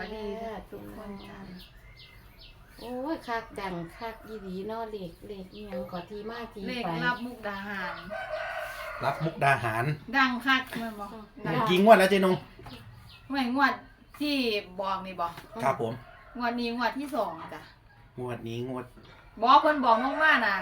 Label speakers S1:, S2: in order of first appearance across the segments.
S1: ดีทุกคนจ้าโอ้ยคักดังคักยีดีเนาะเลขอีหยังก็ที่มาที่
S2: เลข
S1: ไป
S2: รับมุกดาหาร
S3: รับมุกดาหาร
S2: ดังคักแมันบ่ดัง
S3: กี่งวดแล้วเจ๊นง
S2: ไม่งวดที่บอกนี่บอก
S3: ครับผม
S2: งวดนี้งวดที่สองจ้ะ
S3: งวดนี้งวด
S2: บอกเพิ่นบอกน้องว่าน่ะ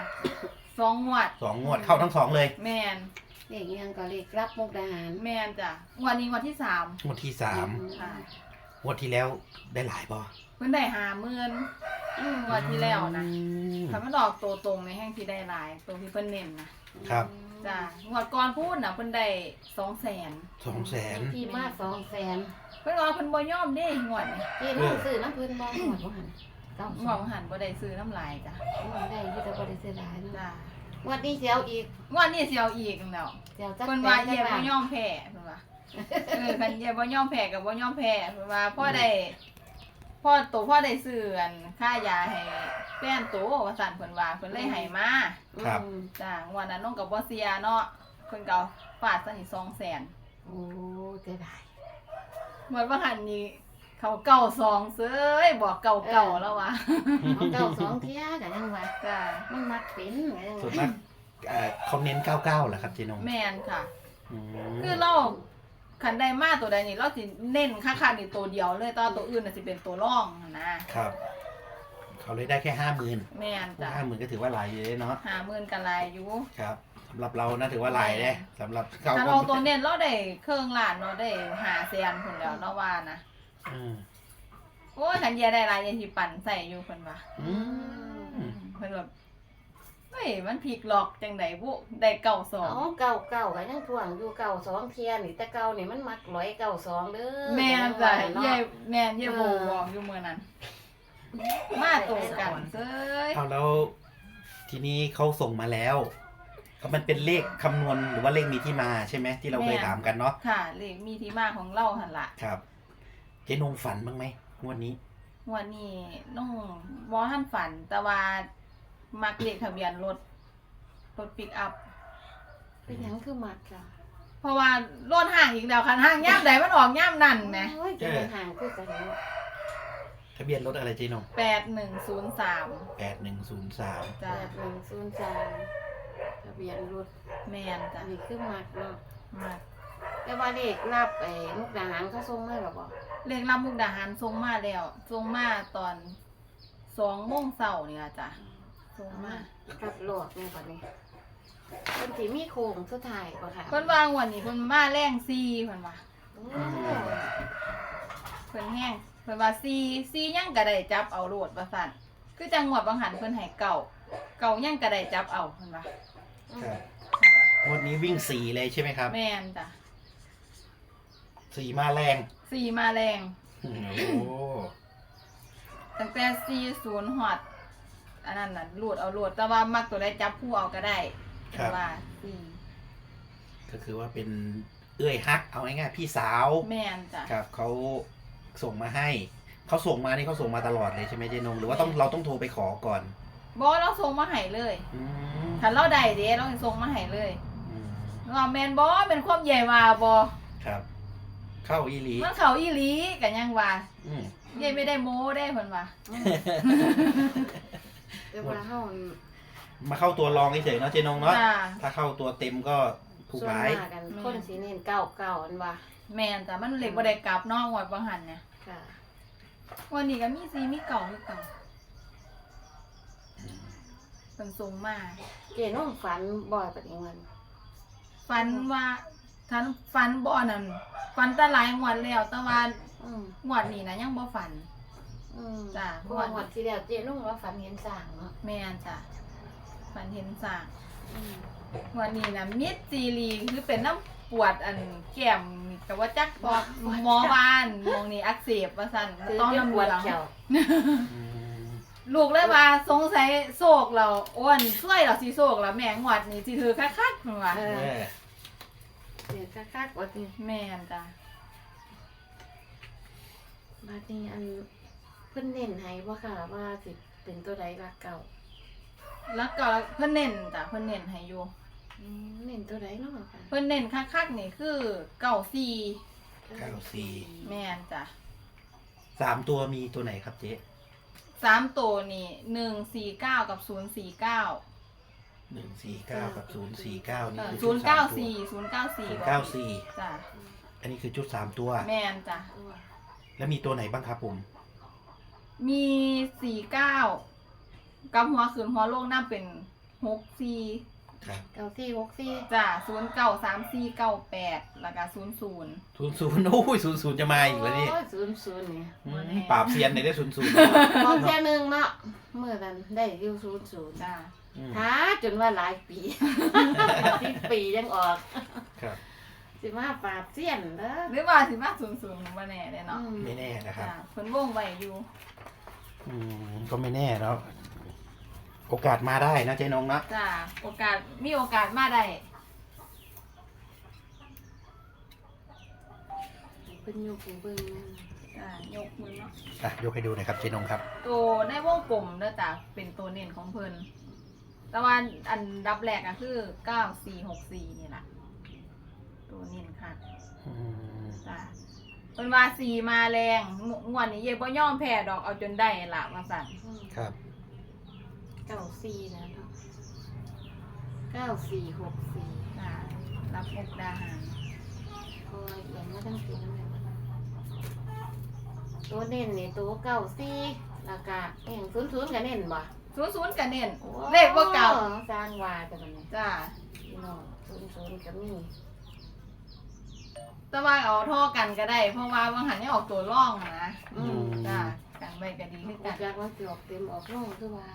S2: 2 งวด
S3: 2 งวดเข้าทั้ง 2เลย
S2: แม่น
S1: เลขอีหยังก็เลขรับมุกดาหาร
S2: แม่นจ้ะงวดนี้งวดที่3
S3: งวดที่
S2: ค่ะ
S3: 3งวดที่แล้วได้หลายบ่
S2: เพิ่นได้50,000งวดที่แล้วนะ
S3: อืม
S2: ถ้ามันออกตัวตรงในแห่งที่ได้หลายตัวที่เพิ่นเน้นนะครับ จ้ะงวดก่อนพูดน่ะเพิ่นได้200,000
S3: 200,000
S1: ที่มา200,000
S2: เพิ่นว่าเพิ่นบ่ยอมเด้งวดนี้
S1: ที่น้องซื้อน้ำเพิ่นบ่หมดบ่หันเก้าง
S2: วดบ่หันบ่ได้ซื้อน้ำลายจ้ะ
S1: ได้ที่จะบ่ได้เสียดายเนาะ
S2: จ้ะ
S1: งวันนี้สิเอาอีก
S2: งวดนี้สิเอาอีกแล้ว
S1: เดี๋ยวจัก
S2: เพิ่นว่า
S1: แส
S2: เย่
S1: น
S2: บ่ยอมแพ้เพิ่นว่าคันเย่บ่ยอมแพ้ก็บ่ยอมแพ้เพิ่นว่าพ่อได้ซื้ออันค่ายาให้แฟนโตว่าซั่นเพิ่นว่าเพิ่นเลยให้มา
S3: ครับ
S2: จ้างวดนั้นน้องก็บ่เสียเนาะเพิ่นก็เอาฟาดซะนี่200,000
S1: โอ้เสียดาย
S2: หมดว่าหันนี่เขาเก่า2เซ้ยบอกเก่าแล้ววะ
S1: เอาเก้าสองเที่ยก็ยังว่า
S2: จ้า
S1: มันมักเป็นก็ยัง
S3: ส่วน
S1: ว่า
S3: มากเขาเน้น99เหรอครับเจ๊นง
S2: แม่นค่ะ
S3: อืม
S2: คือเราคันได้มาตัวใดนี่เราสิเน้นค่าๆนี่ตัวเดียวเลยแตว่าตัวอื่นน่ะสิเป็นตัวรองนะครับ
S3: เขาเลยได้แค่50,000
S2: แม่นจ้ะ
S3: 50,000ก็ถือว่าหลายอยู่เลยเนาะ
S2: 50,000กันหลายอยู่
S3: ครับสำหรับเรานะถือว่าหลายเลยสำหรับเขา
S2: ถ้าเราตัวเน้นเราได้เครื่องล้านเราได้500,000พุ่นแล้วเนาะว่านะ
S3: อืม
S2: โอ้ยคันเยียได้หลายอยางสิปั่นใส่อยู่เพิ่นว่า
S3: อืม
S2: เพิ่นแบบเฮ้ยมันพลิกหลอกจังได๋บุได้เก่าสอง
S1: อ๋อเก้าก็ยังท่วงอยู่เก้าสองเที่ยนี่แต่เก้านี่มันมัก192เด้อ
S2: แม่นจ้ะ
S1: เนาะ
S2: เย่แม่นเย่โบบอกอยู่มื้อนั้น มาตรงกันเซ้ย
S3: เอาแล้วทีนี้เขาส่งมาแล้วก็มันเป็นเลขคำนวณหรือว่าเลขมีที่มาใช่ไหมที่เราเคยถามกันเนาะ
S2: ค่ะเลขมีที่มาของเราหั่นล่ะ
S3: ครับเจ๊นงฝันบ้างไหมงวดนี้
S2: วันนี้น้องบ่ทันฝัน แต่ว่ามักเลขทะเบียนรถปิกอัพ
S1: เป็นหยังคือมักจ้ะ
S2: เพราะว่ารถห่างอีกแล้วคันห่างย่ามใดมันออกย่ามนั่นแหม
S1: โอ้ยจะเป็นห่างคือกันเนาะ
S3: ทะเบียนรถอะไรเจ๊นง
S2: 8103
S3: 8103
S2: จ้ะ
S1: 8103ทะเบียนรถ
S2: แม่นจ้ะ
S1: อันนี้คือมักเนาะ
S2: มัก
S1: แต่ว่าเลขรับมุกดาหารเขาส่งมาหรอบ่
S2: เลขรับมุกดาหารส่งมาแล้วส่งมาตอน2:00 นนี่ล่ะจ้ะส่งมา
S1: กับโหลดแม่บัดนี้เพิ่นสิมีโครงสุดท้ายบ่ค่ะ
S2: เพิ่นวางวันนี้เพิ่นมาแรง4เพิ่นว่า
S1: โอ้
S2: เพิ่นแห้งเพิ่นว่า4ยังก็ได้จับเอาโลดว่าซั่นคือจังหวัดบางหันเพิ่นให้เก่ายังก็ได้จับเอาเพิ่นว่า
S3: ครับ
S2: ค่ะ
S3: งวดนี้วิ่ง4เลยใช่ไหมครับ
S2: แม่นจ้ะ
S3: 4มาแรง
S2: 4มาแรง
S3: โอ้โห
S2: ตั้งแต่40ฮอดอันนั้นน่ะโลดเอาโลดแต่ว่ามักตัวใดจับคู่เอาก็ได้เพิ่นว่า4
S3: ก็คือว่าเป็นเอื้อยฮักเอาง่ายๆพี่สาว
S2: แม่นจ้ะ
S3: ครับเขาส่งมาให้เขาส่งมานี่เขาส่งมาตลอดเลยใช่ไหมเจ๊นงหรือว่าเราต้องโทรไปขอก่อน
S2: บ่เราส่งมาให้เลย
S3: อืม
S2: ถ้าเราได้เด้เราสิส่งมาให้เลย
S3: อืม
S2: ว่าแม่นบ่เป็นความใหญ่ว่าบ่
S3: ครับ เข้าอีหลี
S2: มันเข้าอีหลีก็ยังว่า
S3: อืม
S2: ใหญ่ไม่ได้โม้ได้เพิ่นว่า
S1: แต่ว่าเฮา
S3: มาเข้าตัวรองเฉยๆเนาะเจ๊นงเนาะ
S2: จ้า
S3: ถ้าเข้าตัวเต็มก็ถูก
S1: ส่วน
S3: หลาย
S1: มากกันคนสิเน้น99อันว่า
S2: แม่นจ้ะมันเล็กบ่ได้กลับเนอกงวดบ่หันเนี่ย
S1: ค่ะ
S2: วันนี้ก็มีซีมีเก่าคือเก่าเพิ่นส่งมา
S1: เจน้องฝันบ่อยปานนี้มัน
S2: ฝันว่าทันฝันบ่นั่นฝันแต่หลายงวดแล้วแต่ว่า
S1: อืม
S2: งวดนี้นะยังบ่ฝัน จ้ะ
S1: เพราะว่าที่แล้วเจน้องว่าฝันเห็นสร้างเนาะ
S2: แม่นจ้ะฝันเห็นสร้าง
S1: อืม
S2: งวันนี้นะมิดซีรีคือเป็นน้ำปวดอันแก้มนี่ก็ว่าจักพอหมอบ้านมองนี่อักเสบว่าซั่น
S1: คือ
S2: ต้อง
S1: จะ
S2: น้ำ
S1: ป
S2: เห
S1: ว
S2: ลื
S1: ด
S2: อง
S1: เขียว
S3: อืม
S2: ลูกเลยว่าสงสัยโศกเราอ้วนช่วยเราสิโศกแล้วแม่งวดนี่สิถือคักๆเพิ่นว่า
S1: เอ
S3: เอ
S1: อ
S3: อ
S1: เดี๋ยวคักๆว่าสิ
S2: แม่นจ้ะ
S1: บัดนี้อันเพิ่นเน้นให้บ่ค่ะว่าสิเป็นตัวใดรักเก่า
S2: แล้วก็เพิ่นเน้นจ้ะเพิ่นเน้นให้อยู่
S1: เน้นตัวใดเนาะค่ะ
S2: เพิ่นเน้นคักๆนี่คือ94
S3: 94
S2: แม่นจ้ะ
S3: 3 ตัวมีตัวไหนครับเจ๊
S2: 3ตัวนี่149กับ049
S3: 149กับ049นี่คือ
S2: 094
S3: ชุดสามตัว
S2: 094
S3: 094
S2: จ้ะ
S3: อันนี้คือชุด3 ตัว
S2: แม่นจ้ะ
S3: แล้วมีตัวไหนบ้างครับผม
S2: มี49กับหัวขืนหัวโลงน้ำเป็น64
S3: ครับ
S1: 9464
S2: จ้ะ093498แล้วก็00
S3: 00โอ้ย00จะมาอีกแล้วนี่
S1: โอ้ย00นี่
S3: ปราบเซียนในได้00
S1: พอแค่นึงเนาะเมื่อนั้นได้อยู่00
S2: จ้ะ
S1: หาจนว่าหลายปี 10 ปียังออก
S3: ครับ
S1: สิมาปราบเสี้ยนเด้อ
S2: หรือว่าสิมา00บ่แน่เด้เนาะ
S3: ไม่แน่นะครับ
S2: จ้ะเพิ่นวงไว้อยู่
S3: ก็ไม่แน่แล้วโอกาสมาได้นะเจ๊นงนะ
S2: จ้ะมีโอกาสมาได้
S1: เพิ่นอยู่ผู้เบิ่ง
S2: จ้ะยกมือเนาะ
S3: อ่ะยกให้ดูหน่อยครับเจ๊นงครับ
S2: ตัวในวงกลมเด้อจ้ะเป็นตัวเน้นของเพิ่นแต่ว่าอันดับแรกก็คือ9464นี่ล่ะตัวเน้นค่ะ
S3: อืม
S2: จ้ะเพิ่นว่า4มาแรงงวดนี้เย่บ่ยอมแพ้ดอกเอาจนได้ล่ะว่าซั่น
S3: ครับ
S1: 94นะเนาะ9464
S2: จ้ะรับมุกดาหาร
S1: คอยเอียงมาตั้งปีนั่นแหละตัวเน้นนี่ตัว94แล้วก็เอง00ก็เน้นบ่
S2: 00ก็เน้นเลขบ่เก่า
S1: สร้างว่าแต่บัดนี้
S2: จ้ะ
S1: พี่น้อง00ก็มี
S2: แต่ว่าเอาโทอกันก็ได้ เพราะว่าบางหันนี่ออกตัวร่องนะ
S1: อืม
S2: จ้ะกันไว้ก็ดีคือ
S1: อ
S2: กั
S1: อน กจากว่าสิออกเต็มออกลงคือว่า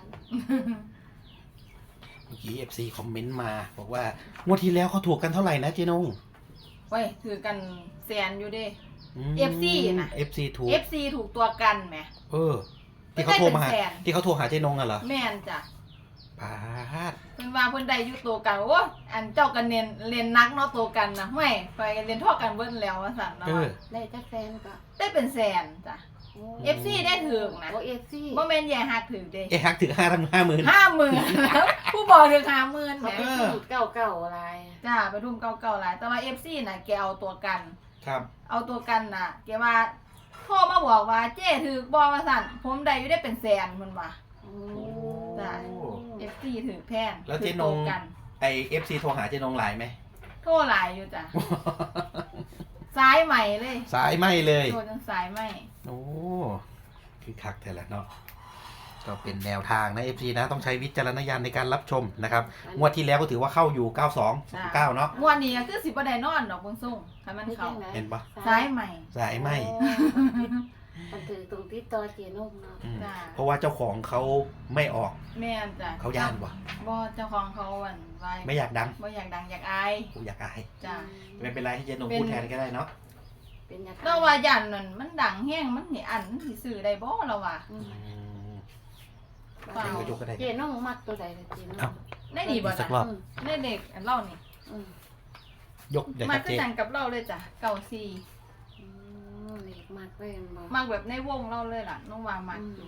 S3: เมื่อกี้ FC คอมเมนต์มา บอกว่างวดที่แล้วเขาถูกกันเท่าไหร่นะเจ๊นง
S2: เว้ยถือกันแสนอยู่เด้
S3: ม
S2: FC น่ะ
S3: FC ถูก
S2: FC ถูกตัวกันแหม
S3: ที่เขาโทรมาหา
S2: ไม่ได้เป็นแสน
S3: ที่เขาโทรหาเจ๊นงอะเหรอ
S2: แม่นจ้ะ
S3: ปาด
S2: เพิ่นว่าเพิ่นได้อยู่ตัวกันโอ้อันเจ้ากันเรียนนักเนาะตัวกันนะห้วยไปเรียนเท่อกันเบิ่นแล้วว่าซั่นเนาะ
S1: ได้จักแฟนก็
S2: ได้เป็นแสนจ้ะ FC ได้ถึงนะ
S1: โอ้ FC
S2: บ่แม่นแย่ฮักถึงเด้
S3: เอ๊ะฮักถึง50,000
S2: 50,000ผู้บอกถึง50,000แห
S1: เขา
S2: ม
S1: ไปสูตรเก่าๆอะไร
S2: จ้าไปทุ่มเก่าๆหลายแต่ว่า FC น่ะแกเอาตัวกัน
S3: ครับ
S2: เอาตัวกันน่ะแกว่าโทรมาบอกว่าเจ้ถือบอว่าสั่นผมได้อยู่ได้เป็นแสนมันว่า
S1: โอ้
S2: จ้ะ FC ถือแพง
S3: แล้วเจ๊นง
S2: ถือตัวกัน
S3: ไอ FC โทรหาเจ๊นงหลายไหม
S2: โทรหลายอยู่จ้ะ ซ้ายใหม่เลย
S3: สายไหมเลย
S2: โทรจนสายใหม่
S3: โอ้คือคักแต่ละเนาะก็เป็นแนวทางนะ FC นะต้องใช้วิจารณญาณในการรับชมนะครับงวดที่แล้วก็ถือว่าเข้าอยู่ 92 9เนาะ
S2: งวดนี้ก็คือสิบ่ได้นอนดอกเบิ่งส่งให้มันเข้า
S3: เห็นปะ
S2: ซ้ายใหม่
S3: สายไหม
S1: มันถือตรงที่ต่อเจนมเนาะ
S3: อืม
S2: จ้ะ
S3: เพราะว่าเจ้าของเขาไม่ออก
S2: แม่นจ้ะ
S3: เขาย่านวะ
S2: บ่เจ้าของเขาอันไว้
S3: ไม่อยากดัง
S2: บ่อยากดังอยากอาย
S3: กูอยากอาย
S2: จ้ะ
S3: ไม่เป็นไรให้เจ๊นงพูดแทนก็ได้เนาะ
S1: เป็นยา
S2: เราว่าย่านนั่นมันดังแฮงมันสิอันมันสิซื้อได้บ่เราว่า
S1: อืม
S2: เปล่า
S3: เจ๊ก็ยกก็ได้
S1: เจนมมักตัวใดเจนม
S3: เอ้า
S2: ได้ดีบ่
S3: อีกสั
S2: จ้ะ
S3: กรอบ
S2: ได้เด็กอันเล่านี่
S1: อืม
S3: ยกเดี๋ยว
S2: มา
S3: ครับ
S2: คือ
S3: เจ๊
S2: กันกับเราเลยจ้ะเก่าซี
S1: อืมเล็กมากเลยบ่
S2: มากแบบในวงเราเลยล่ะน้องวางมากอยู่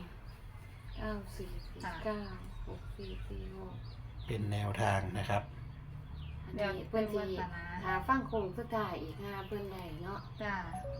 S1: 9446
S3: เป็นแนวทางนะครับ
S1: อันนี้เพิ่นสิหาฟังโคงสุดท้ายอีกหาเพิ่นได้เนาะ
S2: จ้า